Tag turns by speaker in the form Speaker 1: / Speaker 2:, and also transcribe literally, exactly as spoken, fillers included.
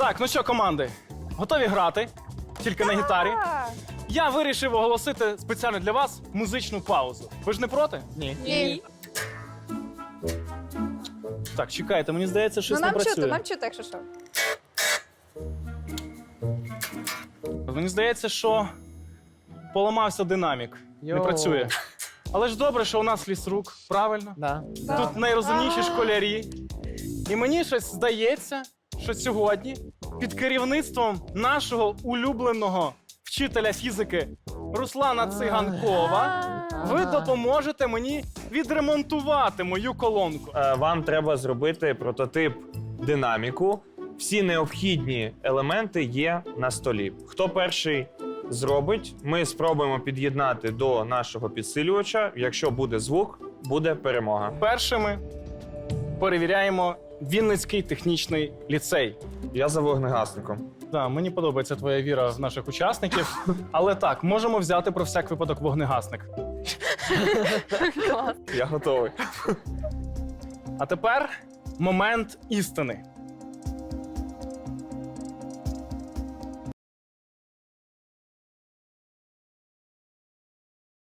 Speaker 1: Так, ну що, команди, готові грати? Тільки на гітарі. Я вирішив оголосити спеціально для вас музичну паузу. Ви ж не проти? Ні.
Speaker 2: Ні.
Speaker 1: Так, чекайте, мені здається, щось
Speaker 2: Ну
Speaker 1: не
Speaker 2: нам чути,
Speaker 1: працює.
Speaker 2: нам чути, якщо що.
Speaker 1: Мені здається, що поламався динамік. Не
Speaker 3: Йоу.
Speaker 1: працює. Але ж добре, що у нас лісрук, правильно?
Speaker 3: Да.
Speaker 1: Тут найрозумніші школярі. І мені щось здається, що сьогодні під керівництвом нашого улюбленого вчителя фізики Руслана Циганкова ви допоможете мені відремонтувати мою колонку.
Speaker 4: Е, Вам треба зробити прототип динаміку. Всі необхідні елементи є на столі. Хто перший зробить, ми спробуємо під'єднати до нашого підсилювача. Якщо буде звук, буде перемога.
Speaker 1: Першими перевіряємо Вінницький технічний ліцей.
Speaker 4: Я за вогнегасником.
Speaker 1: Да, мені подобається твоя віра в наших учасників. Але так, можемо взяти про всяк випадок вогнегасник.
Speaker 4: Я готовий.
Speaker 1: А тепер момент істини.